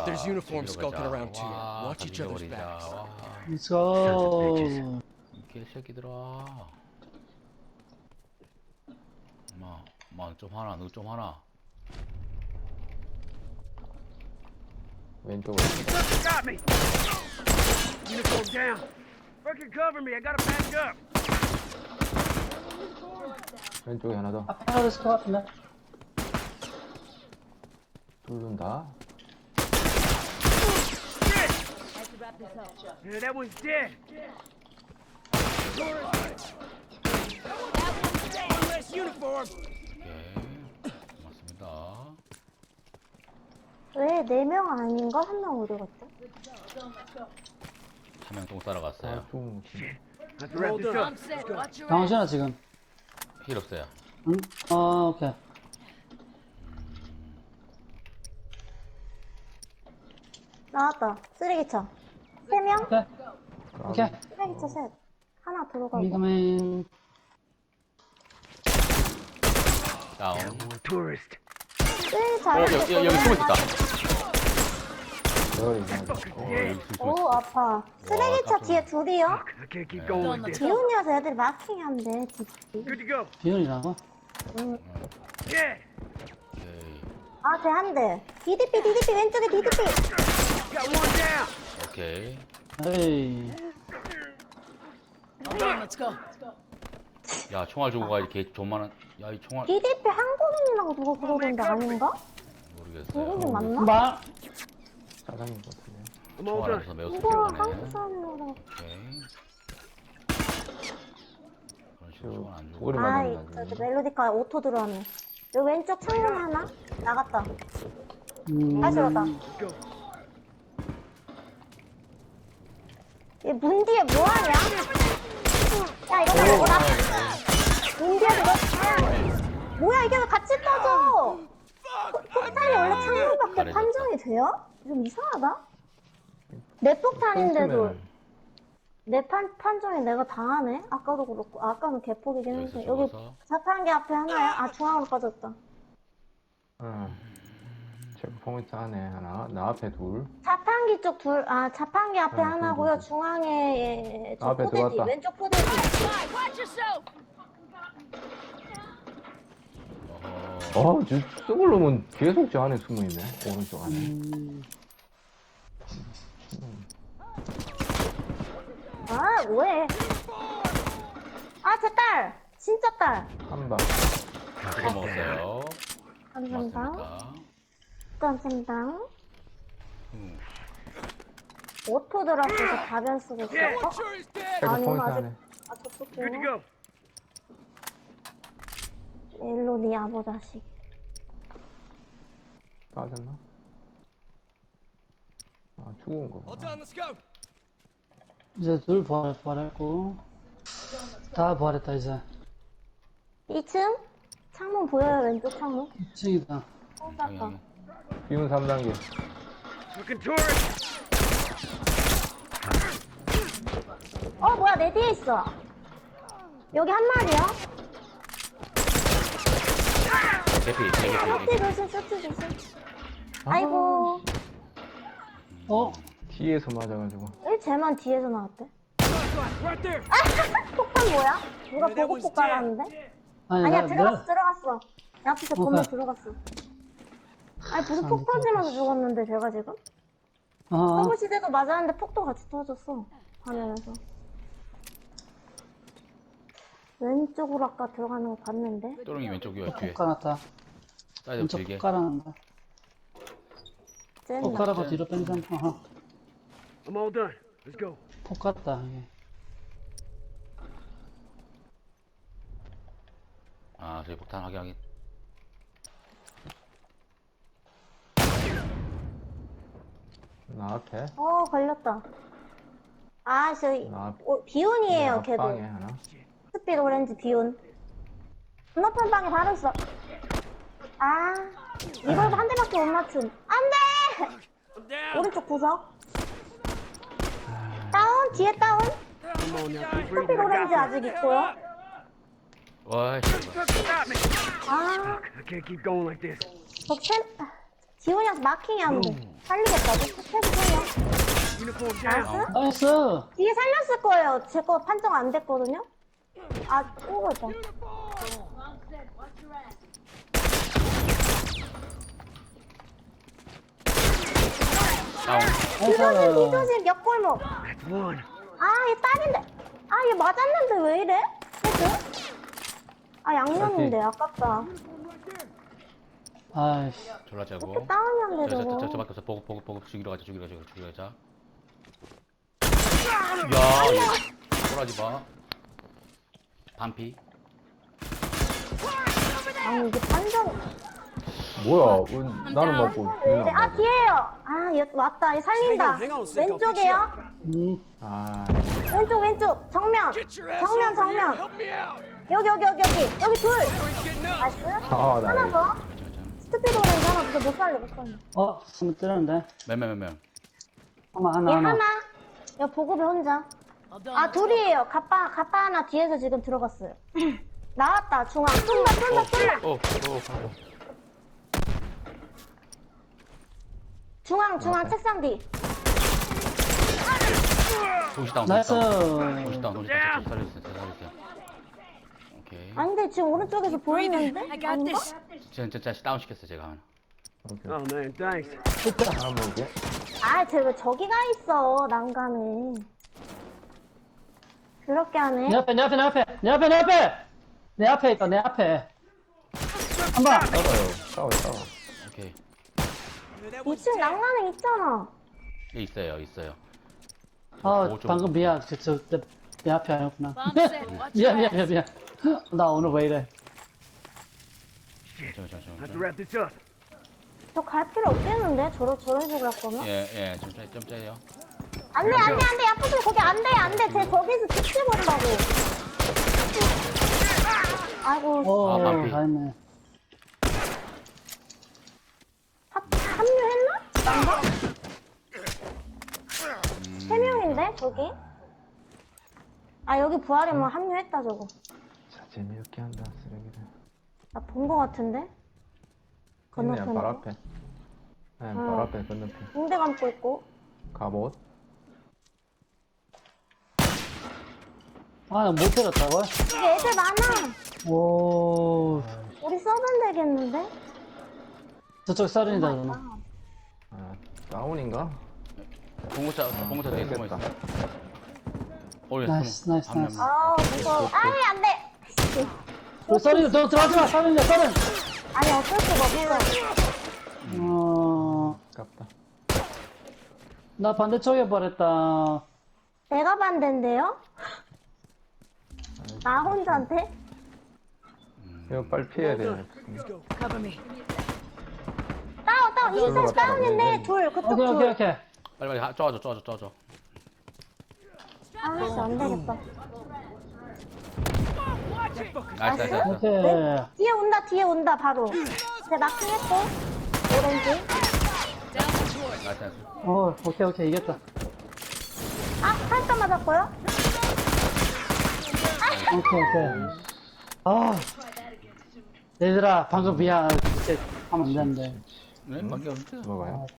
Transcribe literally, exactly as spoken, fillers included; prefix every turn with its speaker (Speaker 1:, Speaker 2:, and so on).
Speaker 1: There's uniforms
Speaker 2: 저기로
Speaker 1: skulking
Speaker 2: 가자.
Speaker 1: around too.
Speaker 2: 와,
Speaker 1: Watch each other's
Speaker 2: 죽여버리자.
Speaker 1: backs.
Speaker 2: 와,
Speaker 3: Let's go.
Speaker 2: 이 개새끼들아. 엄마, 엄마 좀 하나, 너 좀 하나.
Speaker 4: 왼쪽으로.
Speaker 5: Got me! Uniform down. Fucking cover me. I gotta back up.
Speaker 4: 왼쪽에 하나 더.
Speaker 3: 앞에 하나 있을 것 같은데.
Speaker 4: 뚫는다.
Speaker 5: Yeah, that one's dead.
Speaker 1: One less uniform.
Speaker 2: 오케이. 고맙습니다.
Speaker 6: 왜 네 명 아닌가? 한 명 어디 갔지?
Speaker 2: 한 명 똥 따라갔어요.
Speaker 4: 아, 좀.
Speaker 5: Let's wrap this up.
Speaker 3: 당신아 지금.
Speaker 2: 힐 없어요.
Speaker 3: 응? 아 오케이.
Speaker 6: 나왔다. 쓰레기차. 세 명?
Speaker 3: 오케이. 오케이.
Speaker 6: 쓰레기차 셋. 하나 들어가고.
Speaker 3: 미그맨.
Speaker 2: 다운.
Speaker 5: Tourist.
Speaker 6: 쓰레기차
Speaker 2: 어,
Speaker 6: 안에
Speaker 2: 여기, 여기, 여기 숨어 있다.
Speaker 4: 저리 그냥.
Speaker 2: 어, 여기 숨어
Speaker 6: 오
Speaker 2: 있어.
Speaker 6: 아파. 쓰레기차
Speaker 2: 깜짝이야.
Speaker 6: 뒤에 둘이요?
Speaker 5: I can't keep going like this.
Speaker 6: 비운이어서 애들이 마킹한대.
Speaker 5: Good to go.
Speaker 3: 비율이라고?
Speaker 5: Yeah.
Speaker 2: 오케이.
Speaker 6: 아, 쟤 한 대. 디디피, 디디피, 왼쪽에 디디피.
Speaker 5: Got one down.
Speaker 2: 오케이.
Speaker 3: 에이.
Speaker 2: 야, 총알 주고 가, 이렇게 존만한. 야, 이 총알.
Speaker 6: 디디피 한국인이라고 누가 그러던데 아닌가?
Speaker 2: 모르겠어요.
Speaker 6: 한국인 맞나?
Speaker 3: 말.
Speaker 4: 사장님 것 같은데.
Speaker 5: I'm all
Speaker 2: 총알
Speaker 5: done.
Speaker 2: 앞에서 매우
Speaker 6: 누가
Speaker 2: 습격하네.
Speaker 6: 한국 사람이라고.
Speaker 2: 오케이. 그런 식으로 총알 안 주고.
Speaker 4: 오래
Speaker 6: 아이,
Speaker 4: 맞았나
Speaker 6: 저, 저
Speaker 4: 지금.
Speaker 6: 멜로디카 오토 들어왔네. 여기 왼쪽 창문 하나? 나갔다.
Speaker 3: 음.
Speaker 6: 다시 오다.
Speaker 5: Let's go.
Speaker 6: 얘 문 뒤에 뭐하냐? 야, 이거 다 먹어라. 문 뒤에 그거 뭐야, 이게 왜 같이 떠져? 포- 폭탄이 원래 창문밖에
Speaker 2: 잘해줬다.
Speaker 6: 판정이 돼요? 좀 이상하다? 내 폭탄인데도
Speaker 4: 끊기면은
Speaker 6: 내 판, 판정이 내가 당하네? 아까도 그렇고, 아까는 개폭이긴
Speaker 2: 여기서
Speaker 6: 했는데. 여기
Speaker 2: 죽어서.
Speaker 6: 자판기 앞에 하나야? 아, 중앙으로 빠졌다.
Speaker 4: 응. 체크 포인트 안에 하나. 나 앞에 둘.
Speaker 6: 자판기 쪽 둘, 아, 자판기 앞에
Speaker 4: 어,
Speaker 6: 하나고요.
Speaker 4: 둘, 둘, 둘.
Speaker 6: 중앙에 저
Speaker 4: 앞에
Speaker 6: 포대지,
Speaker 4: 들어왔다.
Speaker 6: 왼쪽 포대지.
Speaker 2: 어허.
Speaker 4: 어, 저 쑥을 놓으면 계속 저 안에 숨어 있네. 오른쪽 안에.
Speaker 3: 음.
Speaker 6: 아, 뭐해. 아, 제 딸! 진짜 딸!
Speaker 4: 한 방.
Speaker 2: 그거 먹었어요.
Speaker 6: 감사합니다.
Speaker 2: 고맙습니다.
Speaker 6: 감사합니다.
Speaker 2: 음.
Speaker 6: 오토 들어왔어서 가변 쓰고 있어. 어?
Speaker 4: 체크
Speaker 6: 아니,
Speaker 4: 포인트
Speaker 6: 아직-
Speaker 4: 안에.
Speaker 6: 아, 저쪽
Speaker 5: Good to go.
Speaker 6: 일로 니 아버 자식.
Speaker 4: 빠졌나? 아, 죽은 거.
Speaker 1: All done. Let's go.
Speaker 3: 이제 둘 부활, 부활했고. 다 부활했다 이제.
Speaker 6: 이 층? 창문 보여요, 왼쪽 창문?
Speaker 3: 이 층이다.
Speaker 6: 어, 닦아.
Speaker 4: 비운 삼 단계.
Speaker 5: Fucking tourist.
Speaker 6: 어, 뭐야, 내 뒤에 있어. 여기 한 마리야?
Speaker 2: 대피, 대피,
Speaker 6: 쇼트
Speaker 2: 대피.
Speaker 6: 조심, 쇼트 조심. 아이고.
Speaker 3: 어?
Speaker 4: 뒤에서 맞아가지고.
Speaker 6: 왜 쟤만 뒤에서 나왔대?
Speaker 5: Right there.
Speaker 6: 폭탄 뭐야? 누가
Speaker 1: 네, that
Speaker 6: 보고
Speaker 1: was
Speaker 6: 폭 깔았는데?
Speaker 3: 아니
Speaker 6: 아니야,
Speaker 3: 나
Speaker 6: 들어갔어,
Speaker 3: 내.
Speaker 6: 들어갔어. 내 앞에서 건물
Speaker 3: 오케이.
Speaker 6: 들어갔어. 아니, 무슨
Speaker 3: 아,
Speaker 6: 폭
Speaker 3: 미쳤다.
Speaker 6: 터지면서 죽었는데, 제가 지금?
Speaker 3: 어.
Speaker 6: 서브시대도 맞았는데 폭도 같이 터졌어. 화면에서. 왼쪽으로 아까 들어가는 거 봤는데?
Speaker 2: 또롱이 왼쪽이요, 뒤에.
Speaker 3: 폭 깔았다.
Speaker 2: 사이드
Speaker 3: 왼쪽
Speaker 2: 길게.
Speaker 3: 폭 깔아난다.
Speaker 6: 쟤는
Speaker 3: 폭
Speaker 6: 나.
Speaker 3: 깔아고 뒤로 뺀 상. 어허.
Speaker 5: I'm all done. Let's go.
Speaker 3: 폭 깔았다. 이게.
Speaker 2: 아, 저기 폭탄 확인, 확인.
Speaker 4: 나 앞에.
Speaker 6: 어, 걸렸다. 아, 저기,
Speaker 4: 나 앞.
Speaker 6: 어, 비온이에요, 걔도.
Speaker 4: 앞방에 하나.
Speaker 6: 스피드 오렌지 비온. 건너편 방에 바로 있어. 아, 이걸 한 대밖에 못 맞춤. 안 돼!
Speaker 5: I'm down.
Speaker 6: 오른쪽 구석. 다운? 뒤에 다운?
Speaker 5: Come on now. Keep
Speaker 6: 스피드
Speaker 5: breathing. I
Speaker 6: 오렌지
Speaker 5: got
Speaker 6: 아직 있고요.
Speaker 2: 와이,
Speaker 5: this. Fucking stop me.
Speaker 6: 아,
Speaker 5: I can't keep going like this.
Speaker 6: 저 챔, 지훈이한테 마킹이 안 돼. 살리겠다. 패스 살려.
Speaker 5: Uniform down.
Speaker 6: 나이스.
Speaker 3: 나이스.
Speaker 6: 뒤에 살렸을 거예요. 제 거 판정 안 됐거든요. 아, 오고 있다.
Speaker 2: 다운.
Speaker 6: 뒤조심, 뒤조심, 옆골목.
Speaker 5: One.
Speaker 6: 아, 얘 딸인데. 아, 얘 맞았는데 왜 이래? 헤드? 아, 양념인데, 아깝다.
Speaker 3: 아이씨.
Speaker 2: 졸라 재고.
Speaker 6: 다운이었는데,
Speaker 2: 저, 저, 저,
Speaker 6: 저거.
Speaker 2: 저밖에 없어. 보고, 보고, 보고. 죽이러 가자, 죽이러 가자, 죽이러 가자. 야, 얘. 꼬라지 마. 반피.
Speaker 6: 아니, 이게 판정.
Speaker 4: 뭐야? 왜 나는 맞고
Speaker 6: 왜
Speaker 4: 얘는
Speaker 6: 이래?
Speaker 4: 안
Speaker 6: 아,
Speaker 4: 맞아?
Speaker 6: 뒤에요. 아, 얘 왔다. 얘 살린다.
Speaker 5: Hang on, hang on a sec, I'll fix
Speaker 6: 왼쪽에요.
Speaker 3: 음.
Speaker 4: 아,
Speaker 6: 왼쪽, 왼쪽. 정면.
Speaker 5: Get your ass
Speaker 6: 정면,
Speaker 5: over here.
Speaker 6: 정면.
Speaker 5: Help me out.
Speaker 6: 여기, 여기, 여기, 여기. 여기 둘.
Speaker 5: We're getting up.
Speaker 6: 나이스.
Speaker 4: 아, 나
Speaker 6: 하나
Speaker 4: 이거.
Speaker 6: 더. 스피드 오렌지 하나 더. 못 살려, 못 살려.
Speaker 3: 어, 숨 뜨는데.
Speaker 2: 몇 명, 몇 명.
Speaker 3: 하나,
Speaker 6: 얘
Speaker 3: 하나, 하나.
Speaker 6: 하나. 야, 보급에 혼자. 아, 둘이에요. 가빠, 가빠 하나 뒤에서 지금 들어갔어요. 나왔다, 중앙. 뚫다, 뚫다, 뚫다.
Speaker 2: 오, 오, 오.
Speaker 6: 중앙, 중앙, 책상 뒤.
Speaker 2: 동시 다운,
Speaker 3: 나이스.
Speaker 2: 동시 다운. 동시 다운, 동시 다운. 살려주세요, 살려주세요. 오케이.
Speaker 6: 아니, 근데 지금 오른쪽에서 보이는데?
Speaker 1: I got
Speaker 6: 아닌가?
Speaker 1: this.
Speaker 2: 진짜, 진짜 다운 시켰어, 제가 하나.
Speaker 4: 오케이.
Speaker 5: Oh man, thanks.
Speaker 4: 하나 먹게.
Speaker 6: 아, 쟤 왜 저기 가 있어, 난간에. 그렇게 하네.
Speaker 3: 내 앞에, 내 앞에, 내 앞에. 내 앞에, 내 앞에. 내 앞에 있다, 내 앞에. 한 번.
Speaker 4: 싸워요. 싸워, 싸워.
Speaker 2: 오케이.
Speaker 6: 이 층 난간에 있잖아.
Speaker 2: 예, 있어요, 있어요.
Speaker 3: 아,
Speaker 2: 오, 좀-
Speaker 3: 방금 미안. 저, 저, 내, 내 앞에 아니었구나.
Speaker 1: Bomb set. Watch
Speaker 3: 미안,
Speaker 1: your
Speaker 3: 미안, 미안, 미안. 나 오늘 왜 이래.
Speaker 2: 저, 저, 저,
Speaker 5: Have to
Speaker 2: 저.
Speaker 5: wrap this up.
Speaker 6: 저 갈 필요 없겠는데? 저런, 저런 식으로 할 거면?
Speaker 2: 예, 예, 좀, 짜- 좀 짜요.
Speaker 6: 안 돼, 안 돼, 안 돼. 야프들 거기 안 돼, 안 돼. 쟤 거기서 지켜본다고. 아이고,
Speaker 3: 오,
Speaker 2: 아, 반피.
Speaker 3: 잘했네.
Speaker 6: 합, 합류했나? 난가? 세 명인데, 저기? 아, 여기 부활이면 합류했다, 저거.
Speaker 4: 자, 재미없게 한다, 쓰레기들.
Speaker 6: 나 본 거 같은데?
Speaker 4: 있네,
Speaker 6: 건너편에.
Speaker 4: 발 앞에. 네, 발 앞에 건너편.
Speaker 6: 붕대 감고 있고.
Speaker 4: 갑옷.
Speaker 3: 아, 나 못 때렸다고?
Speaker 6: 이게 애들 많아.
Speaker 3: 오,
Speaker 6: 우리 써면 되겠는데?
Speaker 3: 저쪽 썰린다, 그러면.
Speaker 4: 아, 다운인가?
Speaker 2: 공구차, 공구차 되게 숨어 있어. 오, 예,
Speaker 3: 나이스,
Speaker 2: 숨어.
Speaker 3: 나이스,
Speaker 2: 한 명.
Speaker 3: 나이스.
Speaker 6: 아, 무서워. 아이, 안 돼. 씨.
Speaker 3: 그 썰린다, 너 들어가지 마, 썰린다, 썰은.
Speaker 6: 아니, 어쩔 수가 없어.
Speaker 3: 어,
Speaker 4: 아깝다.
Speaker 3: 나 반대쪽에 버렸다.
Speaker 6: 내가 반대인데요? 나 혼자한테?
Speaker 4: 이거 빨리 피해야 돼.
Speaker 1: Cover me.
Speaker 6: 다운, 다운.
Speaker 4: 저기로
Speaker 6: 이사시
Speaker 4: 갔다
Speaker 6: 다운인데,
Speaker 4: 와요.
Speaker 6: 둘. 그쪽
Speaker 3: 오케이, 오케이,
Speaker 6: 둘.
Speaker 3: 오케이.
Speaker 2: 빨리, 빨리, 하- 쪼아줘, 쪼아줘, 쪼아줘.
Speaker 6: 아, 씨, 안 되겠다.
Speaker 2: 나이스, 나이스, 나이스.
Speaker 3: 오케이.
Speaker 6: 뒤에 온다, 뒤에 온다, 바로. 제 마킹했고. 오렌지.
Speaker 2: 나이스, 나이스.
Speaker 3: 오, 오케이, 오케이, 이겼다.
Speaker 6: 아, 살짝 맞았고요.
Speaker 3: 오케이, 오케이. 아, 얘들아, 방금 미안. 이렇게 하면 안 되는데.
Speaker 2: 네? 밖에 없지?
Speaker 4: 뭐가요?